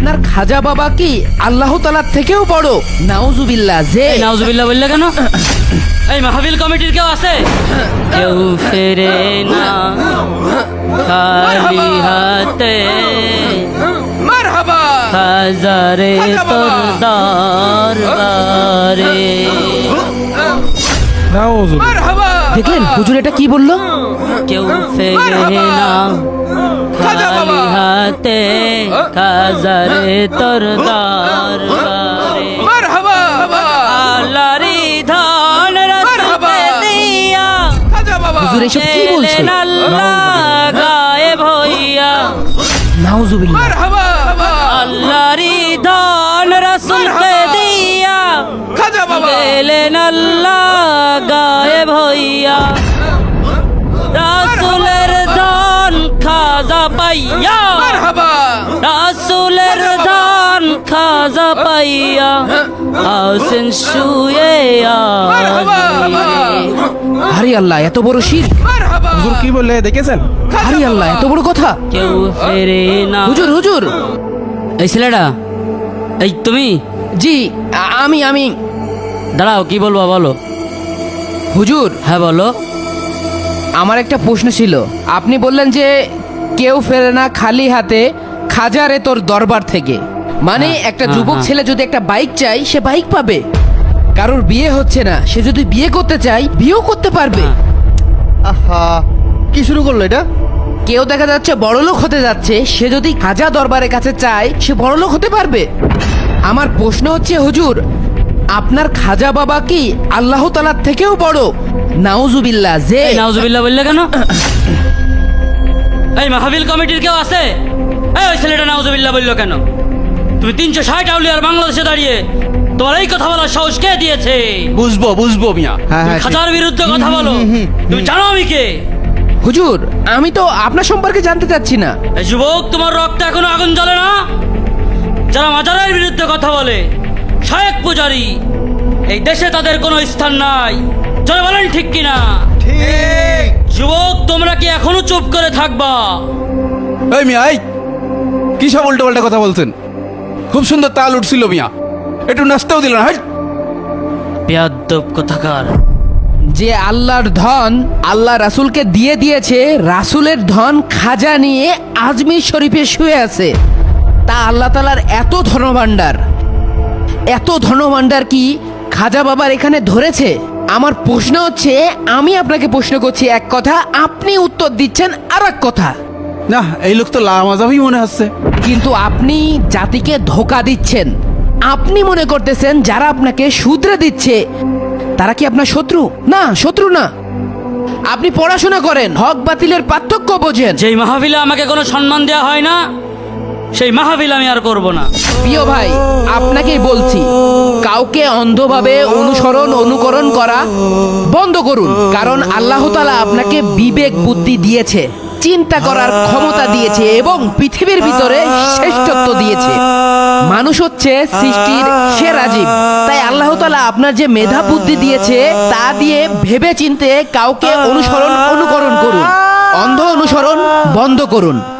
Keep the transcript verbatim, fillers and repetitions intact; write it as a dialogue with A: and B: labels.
A: আপনার খাজা বাবা কি আল্লাহ তাআলার থেকেও বড়? নাউজুবিল্লাহ। যে
B: নাউজুবিল্লাহ বললে কেন? এই মাহফিল কমিটির কেউ আছে? কেউ ফেরে না খালি হাতে,
A: মারহাবা
B: হাজারে তোর দরবারে।
A: মারহাবা। দেখলেন হুজুর এটা কি বললো?
B: কেউ ফেরে না খালি হাতে, হাজারে তোর দরবারে।
A: মারহাবা।
B: আল্লাহরি ধন রাসূলকে দিয়া,
A: হুজুর এসব কি বলছে?
B: আল্লাহ গায়েব হইয়া।
A: নাউজুবিল্লাহ।
B: মারহাবা। আল্লাহরি ধন রাসূলকে দিয়া,
A: খাজা বাবা
B: গেলেন আল্লাহ গায়েব হইয়া। রাসূলের ধন খাজা পাইয়া, রাসূলের ধন খাজা পাইয়া, আসেন শুয়ে
A: হারি আল্লাহ, এত বড় শির।
C: হুজুর কি বললে দেখেছেন?
A: হারি আল্লাহ, এত বড় কথা।
B: কেউ ফেরে না।
A: হুজুর হুজুর।
B: এই ছেলেটা, এই তুমি?
A: জি আ- আমি আমি
B: দাঁড়াও, কি বলবো বলো।
A: হুজুর
B: হ্যাঁ বলো।
A: আমার একটা প্রশ্ন ছিল। আপনি বললেন যে কেউ ফেরে না খালি হাতে, খাজারে তোর দরবার থেকে। মানে
B: হ্যাঁ,
A: একটা
B: হ্যাঁ,
A: যুবক
B: হ্যাঁ।
A: ছেলে যদি একটা বাইক চাই, সে বাইক পাবে। কারোর বিয়ে হচ্ছে না, সে যদি বিয়ে করতে চায়, বিয়েও করতে পারবে।
B: হ্যাঁ।
C: আহা, কি শুরু করলো এটা?
A: কেউ দেখা যাচ্ছে বড়লোক হতে যাচ্ছে, সে যদি খাজা দরবারের কাছে চায়, সে বড়লোক হতে পারবে। আমার প্রশ্ন হচ্ছে হুজুর, আপনার খাজা বাবা কি আল্লাহ তাআলার থেকেও বড়? নাউজুবিল্লাহ। যে
B: এই নাউজুবিল্লাহ বললে কেন? এই মাহফিল কমিটির কেউ আছে? এই ওই ছেলেটা নাউজুবিল্লাহ বললো কেন? তুমি তিনশো ষাট আউলিয়ার বাংলাদেশে দাঁড়িয়ে তোমার এই কথা বলার সাহস কে দিয়েছে?
D: বুঝবো বুঝবো মিয়া।
C: হ্যাঁ
B: তুমি
C: হ্যাঁ,
B: খাজার বিরুদ্ধে কথা বলো। তুমি জানো আমি কে?
A: হুজুর আমি তো আপনার সম্পর্কে জানতে চাচ্ছি না।
B: এই যুবক, তোমার রক্তে এখনো আগুন জ্বলে না? যারা মাজারের বিরুদ্ধে কথা বলে, শায়েক পূজারি, এই দেশে তাদের কোনো স্থান নাই। চলে বলেন ঠিক কিনা?
C: ঠিক।
B: যুবক, তোমরা কি এখনো চুপ করে থাকবা?
D: এই মিয়া, এই কি সব উল্টো পাল্টা কথা বলছেন? খুব সুন্দর তাল উঠছিল মিয়া, একটু নাচতেও দিল না। হাই,
B: বেয়াদ্দব কোথাকার।
A: যে আল্লাহর ধন আল্লাহ রাসূলকে দিয়ে দিয়েছে, রাসূলের ধন খাজা নিয়ে আজমির শরীফে শুয়ে আছে। তা আল্লাহ তাআলার এত ধনভাণ্ডার, এত ধনভাণ্ডার কি খাজা বাবার এখানে ধরেছে? আমার প্রশ্ন হচ্ছে, আমি আপনাকে প্রশ্ন করছি এক কথা, আপনি উত্তর দিচ্ছেন আর এক কথা।
D: না এই লোক তো লামাজাবি মনে হচ্ছে।
A: কিন্তু আপনি জাতিকে ধোকা দিচ্ছেন। আপনি মনে করতেছেন যারা আপনাকে শুধরে দিচ্ছে তারা কি আপনার শত্রু? না, শত্রু না। আপনি পড়াশোনা করেন, হক বাতিলের পার্থক্য বোঝেন।
B: যেই মাহফিলে আমাকে কোনো সম্মান দেওয়া হয় না, সেই মাহফিল আমি আর করব না।
A: প্রিয় ভাই, আপনাকেই বলছি, কাউকে অন্ধভাবে অনুসরণ অনুকরণ করা বন্ধ করুন। কারণ আল্লাহ তাআলা আপনাকে বিবেক বুদ্ধি দিয়েছে, চিন্তা করার ক্ষমতা দিয়েছে এবং পৃথিবীর ভিতরে শ্রেষ্ঠত্ব দিয়েছে। মানুষ হচ্ছে সৃষ্টির সেরা জীব। তাই আল্লাহ তাআলা আপনার যে মেধা বুদ্ধি দিয়েছে, তা দিয়ে ভেবে চিন্তে কাউকে অনুসরণ অনুকরণ করুন। অন্ধ অনুসরণ বন্ধ করুন।